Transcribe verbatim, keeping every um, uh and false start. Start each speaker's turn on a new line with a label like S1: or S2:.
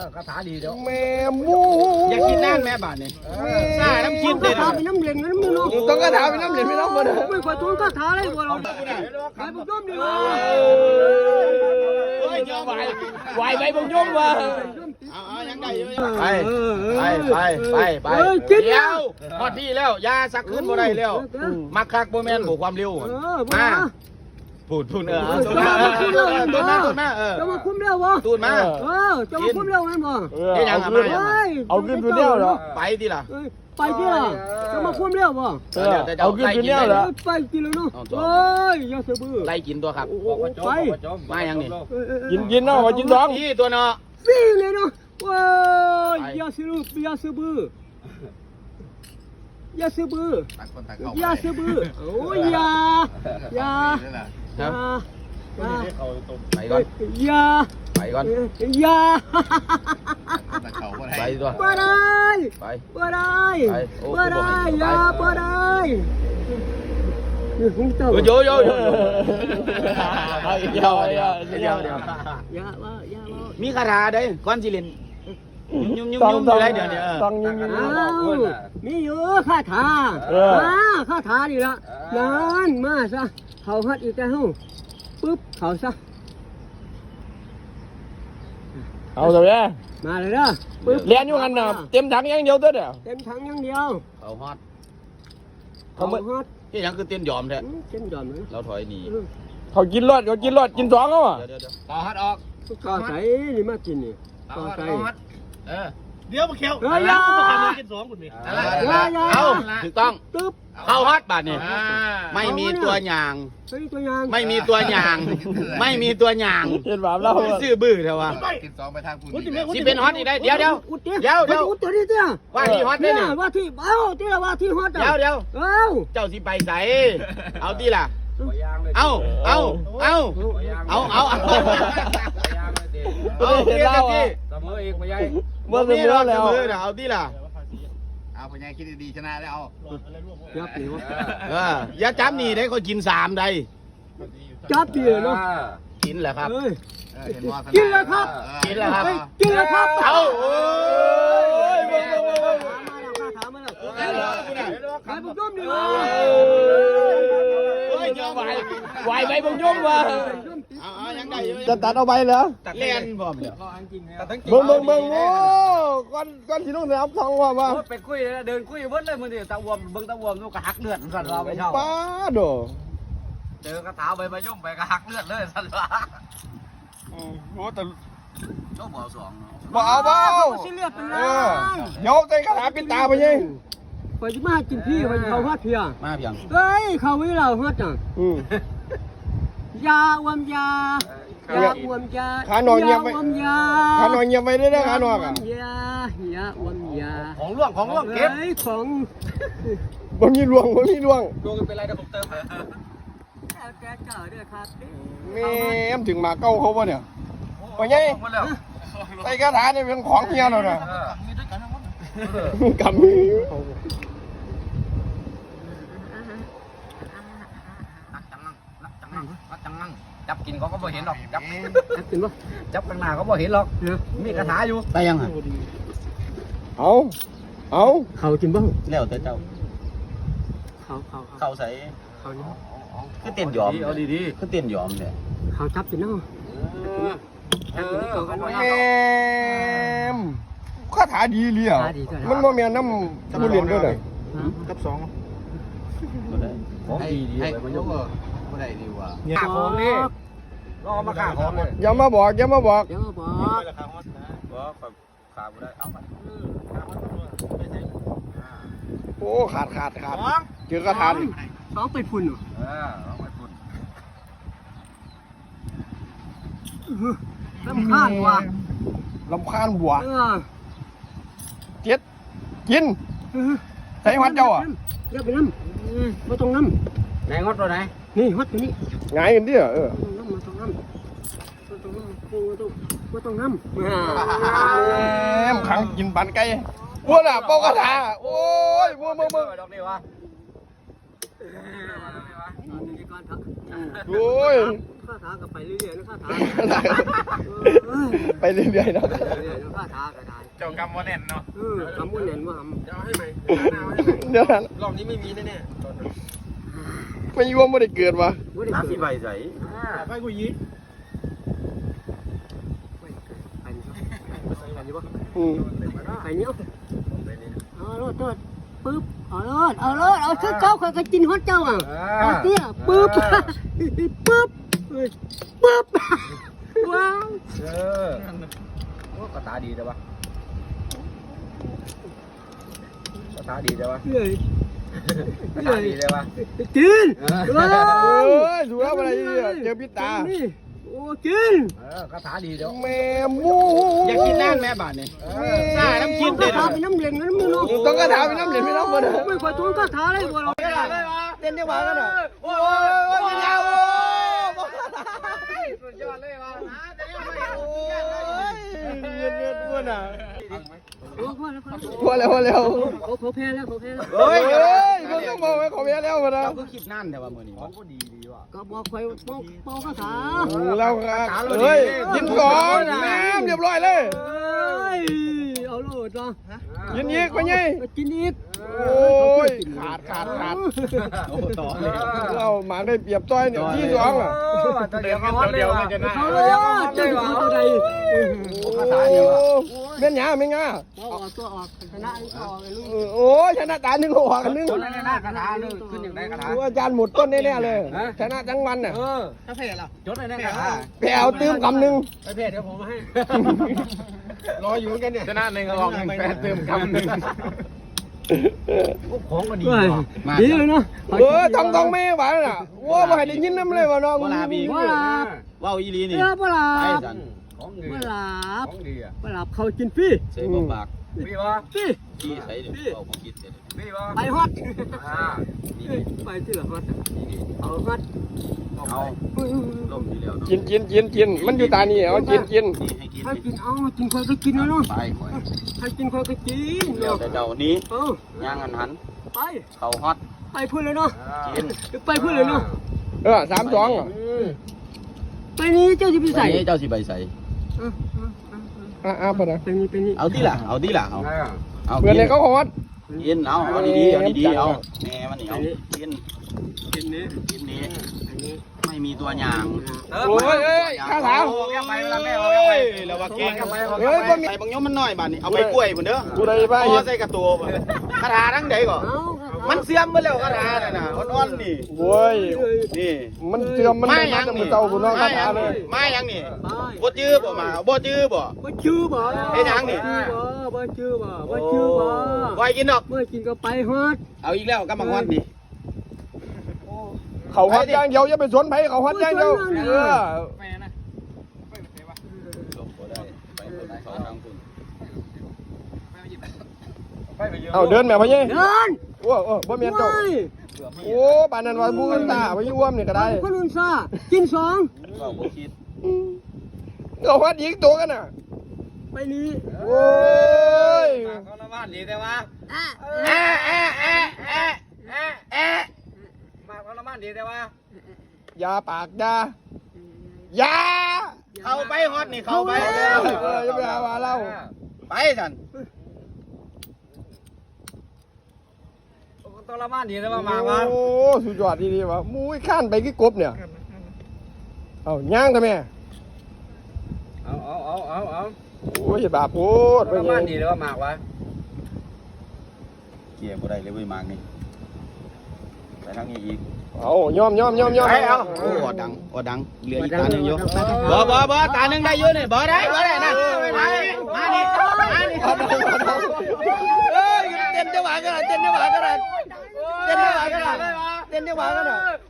S1: คาถาดีเดี๋ยว
S2: แม่มู
S1: อย่ากินนั่นแม่บาทนี่ซ่าน้ำจิ้มเลยนะ
S3: เป็นน้ำเหลืองน้ำมือเนาะ
S2: ต้องกระถาเป็นน้ำเหลืองไม่ต้องมาเด้อ
S3: ไม่ค่อยทวงคาถาเลยบ่เราใครบุกย่อมดีวะ
S1: เฮ้ยเจอไหว
S2: ไหวไปบุกย่อมว่ะ
S1: เอาเอายังไงอยู่
S2: ไปไปไปไปไป
S1: เดี๋ยวพอดีแล้วยาสักขึ้นบ่ได้แล้วมักคักบ่แม่นบ่ความเร็วมาพูดพูดเออตูนมาตูนมาตูนมาเออ
S3: จะมาคุ้มเร็วบ่
S1: ตูนมา
S3: เออจะมาคุ้มเร็วงั้นบ่
S1: นี่ยังมา
S2: เอาขึ้นตัวเดียวเหรอ
S1: ไปดิล่ะ
S3: ไปที่ล่ะจะมาคุ้มเร็วบ่
S2: เอาขึ้นตัวเดียวเหรอ
S3: ไปกินแล้วเนาะโอ้ยอย่าเสือบื้อ
S1: ไล่กินตัวครับ
S3: ไป
S1: มายังนี่
S2: กินกินเนาะมากินสอง
S1: ที่ตัวเนาะ
S3: ฟีเลยเนาะว้ยอย่าเสืออย่าเสือบื้ออย่าเสือบื้ออย่าเสือบื้อโอ้ยอย่าอย่าอย่า
S1: ไปก่อน
S3: อย่า
S1: ไปก่อน
S3: อย่า
S1: ไปตัว
S3: บ่ได้
S1: ไป
S3: บ่ได้บ่ได้อย่าบ่ได้นี่ของเจ้า
S1: โยโยโย
S2: เอาอีกเดียวเดียวเดียวเดียว
S3: อย่าว่าอย่าว่า
S1: มีคาถาได้ก้อนจิลินยุ่มยุ่มยุ่มอยู่ไรเดี๋ยวนี้
S2: ต้องยุ่มยุ่ม
S3: อ้าวมีอยู่คาถามาคาถาดีละนั่นมาซะเขาฮัดอีกแล้วปึ๊บเขาซะ
S2: เอาเถอะแม่
S3: มาเลยเด้อปึ๊บ
S2: เรียนอยู่กันนะเต็มถังอย่างเดียวเด้อเดี๋ยว
S3: เต็มถังอย่างเดียว
S1: เขาฮอต
S3: เขาฮัด
S1: ที่ยังคือเต้นยอมแท้
S3: เต็มยอมเลย
S1: เราถอยหนี
S2: เขากินรอดเขากินรอดกินสองเขาอ่ะ
S1: เดี๋ยวเดี๋ยวต่อฮัดออก
S3: ก็ใส่นี่มากินนี่ก็ใส่
S1: เออเดี๋ยวมาเคี้ยว
S3: เฮ้ยอย่า
S1: กินสองคุณมี
S3: อย่าอย่า
S1: เอาถูกต้อง
S3: ตึ๊บ
S1: เข้าฮอตบาทนี่ไม่มีตัวหยาง
S3: เฮ้ยตัวอยาง
S1: ไม่มีตัวหยาง ไม่มีตัวหยาง
S2: เห็นแบบเรา
S1: ซื่อบื้อเถอะวะ
S4: กินสองไปทางคุณ
S1: สิเป็นฮอตอีกได้เดี๋ยวเดี๋ยว
S3: อุดเดี๋
S1: เดี๋ยวเดี๋ยว
S3: อุดตัวนี้เดี๋ยว
S1: ว่าที่ฮอตได้
S3: เนี่ย
S1: เนี่ย
S3: ว่าที่เอ้าที่ละว่าที่ฮอต
S1: เดี๋ยวเดี๋ยว
S3: เอ้า
S1: เจ้าสิไปใส่เอาที่ล่ะเอาเอาเอาเอาเอาเอาเอาเดี๋ยวที่
S4: เสมออีกไปยัย
S2: เมื่อเสมอแล้ว
S1: เอาที่ล่ะ
S4: เอาไปยัยคิดดีๆชนะแล้ว
S3: จับดีวะ
S1: เอออย่าจับนี่ได้ก็กินสามได้
S3: จับดีเนาะ
S1: กินแหละครับ
S3: เฮ้ย
S4: เห็นว่า
S3: กินแล้วครับ
S1: กินแล้วครับ
S3: เฮ้ยกินแล้วครับ
S1: เอาโอ้ย
S3: มาแล้วถามมาแล้วใครบุกย่อมดีวะ
S1: เฮ้ยเจอไหว
S2: ไหวไปบุกย่อมว่ะ
S1: เอาเอายังไง
S2: จะตัดเอาไปเหรอ
S1: เล่นบ่มเนี่ย
S2: เบิ่งเบิ่งเบิ่งโอ้ก้อนก้อนที่น้องสนามทองว่ามา
S5: ไปคุยเดินคุยเบิ้ลเลยมือเดียวตะวมเบิ้งตะวมลูกกระหักเลือดสั่นว่าไปเช่า
S2: ป้าโด
S5: เจอกระถาไปมายุ่มไปกระหักเลือดเลยสั่นว่า
S2: โอ้แต่
S5: โจ้บ่อสอง
S2: บ่เอาบ่เอา
S3: สิเลือดเป็น
S2: เอ
S3: ล้า
S2: อน เดี๋ยวใจกระถาปิดตาไปยัง
S3: ไปจะมากินพี่ไปเขาฮอดเพีย
S1: มาเพียง
S3: เฮ้ยเขาวิเราฮอดอ่ะ
S2: อืม
S3: ยาอวมยา ยาอวมยา
S2: ขาหนอนเงียบไป
S3: อวมยา
S2: ขาหนอนเงียบไปได้ได้ขาหนอนอ่ะ
S3: ยา ยาอวมยา
S5: ของล่วงของล่วงเก็บ
S3: ฮ้ยของ
S2: บ่มีลวงบ่มีลวง
S5: ดวงเป็นไรกับผมเติม
S3: แก้วแก้วเก่าด้วยครับ
S2: แม่มถึงหมาเก้าเขาป่ะเนี่ยว่าไง
S5: หมดแล้ว
S2: ไอ้คาถาเนี่ยเป็นของเฮียเราน่ะ
S5: มีด้วยกันทั้งหมด
S2: กำมือ
S5: นักจังงังนักจังงังนักจังงังจับกินเขาก็บ่เห็นหรอกจับ
S3: จับกินปะ
S5: จับข้างหน้าเขาบ่เห็นหรอกมีกระถาอยู่
S1: ไปยังอ่ะ
S2: เอาเอา
S3: เขากินบ้าง
S1: แล้วแต่เจ้า
S3: เขาเขาเขา
S1: เข้าใส่
S3: เขาเนี่ย
S1: คือเต้นยอม
S5: เอาดี
S1: คือเต้นยอมเนี่ย
S3: เขาจับกินเนาะจับกินเขาเขา
S2: แม่มคาถาดีเลยอ่ะมันบ่แม่นน้ำบุเรียนด้วยเลย
S4: กับสอง
S1: บ่ได้
S5: ของดีดี
S4: ให้
S5: ไป
S4: มั
S5: มัน น
S4: ย
S5: ย
S4: ก
S5: ก
S4: ก็ได้ดีว่ะ
S5: ขาของนี่รอมาขาของเลย
S2: อย่ามาบอกอย่ามาบอก
S3: เดี๋ยวบอก
S5: บ่ขาบ่ได้เอาไป
S2: โอ้ขาดขาดขาดเจอกระถาดิ
S3: สองไปพุ่นเหรอ
S5: เออเอาไปพุ่น
S3: ลำคาญว่ะ
S2: ลำคาญบัว
S3: เออ
S2: เจ็ดกินใส่หัดเจ้าอ่ะ
S3: เดี๋ยวไปน้ำไม่ต้องน้
S5: ไหนงดตัวไหน
S3: ำนี่ฮอตตัวนี้
S2: ไงายกันดิเออ
S3: ต้องน้ำมาต้องน้ำต้องน้ำไม่ต้องน้ำ
S2: แม่มขังกินปันไก่บัวน่ะเป่ากระถาโอ้ยบัวมึงมึง
S5: ดอกนี่วะ
S3: นี่ก่อนเถอะ
S2: โอ้ย
S3: ข้าถาก็ไปเรื่อยๆนะข้าถา
S2: ไปเรื่อยๆเนาะ
S3: เรื่อยๆนะข้าถาก็ได้
S5: เจ้ากรรมว่าแน่นเนาะ
S3: เออคำว่าเน่นว่า
S5: จะเอาให้ไหม
S2: เดี๋ยวนะ
S5: รอบนี้ไม่มีแน่
S2: ไม่ยวมไม่ได้เกิดวะ
S3: ไม่ได้
S1: น้ำ
S3: เกิ
S1: สี
S3: ด
S1: ใบใส
S5: ๆไปกูยี
S3: ไปนี่ไปนี่บ่
S2: อืม
S3: ไปนี่เอาเอาโลดโลดปึ๊บเอาโลดเอาโลดเอาชุดเจ้าเขาก็กินฮอดเจ้าอ่ะเอาเตี้ยปึ๊บปึ๊บปึ๊บว้าว
S5: เออโอ้ก็ตาดีแต่ว่าก็ตาดีแต่ว่า
S3: เรื่อย
S5: ก็ตาดีแต่ว่า
S3: กินว้า
S2: โอ้
S3: วย
S2: ดูแล้วอะไรเนี่ยเจอพิษตา
S3: นี่โอ้กิน
S5: เออก็ตาดีเดี๋ยว
S2: แม่มู
S1: อยากกินน้ำแม่บาทนี่หน้าน้ำกิน
S3: ก
S1: เด็
S3: ระ
S1: ด
S3: ถาเป็นน้ำเหลืองน้ำมือเนาะ
S2: ต้องกระถาไปน้ำเหรียญไม่น้ำมัน
S3: ไม่ค่อยทนกระถาเลยบ่เรา
S2: เต้นได้หวานกันเหรอ
S1: โอ้ยกินยาวโอ้สุดยอดเลยว่ะแต่ยังไม่โอ้ย
S2: เงียบเงียบอ้วนอ่ะ
S3: โอ้พอแล้วพอ
S2: พอแล้วพอแล้ว
S3: เขาเขาแพ้แล้วเขาแพ้แล้ว
S2: เฮ้ยเฮ้ยมึงต้องบอกไว้ขอเมียแล้วมานะ
S1: เราก็คิดนั่นแต่ว่ามื้อนี้
S5: ก็ดีดีว่ะ
S3: ก็บอกคอยเป่าเป่ากระถา
S2: เราเฮ้ยกินก่อนน้ำเรียบร้อยเลย
S3: เอ้ยเอาโลดเนาะ
S2: กินอีกไปไง
S3: กินอีก
S2: โอ้ยขาดขาดขาด
S1: โอ้ต่อเลย
S2: เราหมาได้เปรียบต้อยเนี่ยที่สองอ่ะ
S5: เดี๋ยวเขาเดียวไม่จะน่า
S3: เอาโลดจะอยู่ตัวใด
S2: โอ้เม่นหยาไม่ง่า
S3: เอาออกตัวออกชนะออกเลยลูก
S2: โอ้ยชนะตาหนึ่งหัวกันหนึ่ง
S5: คนนั้นหน้ากระถาเลยขึ้นอย่างไรกระถา
S2: อาจารย์หมดต้นแน่ๆเลยชนะทั้งวันน่ะ
S5: เออถ้าเพจล่ะจดเลยนะกระถา
S2: ไปเอาตื้มคำหนึ่ง
S5: ไปเพจเดี๋ยวผมมาให้
S2: รออยู่เหมือนกันเนี่ย
S5: ชนะหนึ่งก็ลองหนึ่งแปดเติมคำหนึ่งของก็ดี
S3: ดีเลยเนาะ
S2: เออทำทองไม่ไหวน่ะว่าไม่ได้ยินน้ำเลยว่าน้อง
S3: ว่าหลับ
S1: ว้าวอีลีนี่
S3: เออว่าหลั
S1: ไอ้
S3: บ
S1: สัน
S5: ของดี
S3: ว่าหลับ
S5: ของดีอ่ะ
S3: ว่าหลับเขากินฟรี
S1: ใส่บ่ปาก
S5: พี่วะ
S3: ฟรี
S1: ที่ใส่เดี๋ยวเอาของคิดเสร็จ
S5: พี่วะ
S3: ไปฮอต
S5: อ่า
S3: ไปที่ละฮอตเอาฮอต
S1: เอาล่มทีเดียว
S2: กินกินกินกินมันอยู่ตานี่เอากินกิน
S1: นี่ให้กิน
S3: ให้กินเอากินคนก็กินนะเนาะ
S1: ไปก่อน
S3: ให้กินคนก็กิน
S1: เดี๋ยว
S3: เนาะ
S1: แต่เจ้านี้
S3: เออย่าง
S1: หันหัน
S3: ไป
S1: เขาฮอต
S3: ไปพูดเลยเนาะ
S1: กิน
S3: ไปพูดเลยเนาะ
S2: เออสามสองอ่ะ
S3: ไปนี้เจ้าจะไปใส่
S1: ใส่เจ้าสิใบใส่
S2: อ่ะอ่ะพอนะ
S3: ไปนี้ไปนี้
S1: เอาที่ละเอาที่ละเอาเอา
S2: เพื่อนเนี่ยเขาขอวัด
S1: กินเอาเอาดีๆเอาดีๆเอาแม่มันเหนียวกิน
S3: กินนี้
S1: กินนี้
S3: อันนี้
S1: ไม่มีตัวอย่าง
S2: โอ้ยเอ้ยข้าถาม
S1: ไปเวลาแม่เอาไปแล้วว่าเก่งเฮ้ยบ่มีใส่บางยมมันน้อยบาดนี้เอาไปกล้วยพุ่นเด้อ
S2: กูได้บ้า
S1: พ
S2: เห็
S1: อน ใส่กระตัวคาถาทั้งใดก่อ
S3: เอา
S1: มันเสื่อมไปแล้วคาถาน่ะนะอ่อนๆนี่
S2: โว้ย
S1: นี่
S2: มันเสื่อมมัน
S1: ไม่
S2: ไม่
S1: ยั
S2: มาง แต่มื
S1: นี่
S2: อเต่าบุญน้องคาถาเลย
S1: ไม่ยังนี่
S3: ไป
S1: บ่จื้อบ่มาบ่จื้อบ่
S3: บ่ชื่อบ่
S1: เฮ็ดหยังนี่
S3: บ่บ่ชื่อบ่บ่ชื่อบ่
S1: บ่ให้กินดอก
S3: เมื่อกินก็ไปฮอด
S1: เอาอีกแล้วกำบังวันนี่
S2: เขาฮัดอย่างเดียวอย่าไปสนไผเขาฮัดอย่างเดียวเออ
S5: แม่นะ
S1: บ่ได้ไปบ่ได้เขาทางคุณ
S5: ไปไปเยอะ
S2: เอาเดินแม่พ่อเย่
S3: เดิน
S2: โอ้โอ้บ่เมียนเจ้า
S3: โอ้ย
S2: โอ้ปานนั้นว่าบูนตาไปยุ่วมนี่ก็ได้
S3: คนอื่นซ่ากินสอง
S1: ก็บ่คิด
S2: เขาฮัดอีกตัวกันน่ะ
S3: ไปนี้
S2: โอ้ย
S5: เขาละบ้านดีแต่ว่า
S3: อ่ะ
S1: แอะแอะแอะแอะแอะแอะ
S5: มาเขาละบ้านดีแต่ว่า
S2: ยาปากยา ยา
S1: เข้าไปฮอดนี่เข้าไป
S2: เอ
S1: เด้อ
S2: ออย่าไปหาว่าเล่า
S1: ไปสั่น
S5: ต้องละบ้านดีแต่ว่ามาว่า
S2: โอ้สุดยอดดีๆวะมูยข้านไปกี่กบเนี่ย เอาย่างทำไม
S5: เอาเอาเอาเอาเอา
S2: โอ้ยบาปโพด
S5: ละบ้านดีแต่ว่ามากวะ
S1: เกี่ยบ่ได้เลยเว้ยมากนี่ไปทางนี้อีก
S2: เอายอมยอมยอมยอม
S1: ไปเอาโอ้อดังอดังเหลืออีกตาหนึงอยู่บ่บ่บ่ตาหนึงได้อยู่นี่บ่ได้บ่ได้นะมานี่มานี่มานี่เอ้ยเต้นจังหวะกันเต้นจังหวะกันเต้นจังหวะกันเต้นจังหวะกัน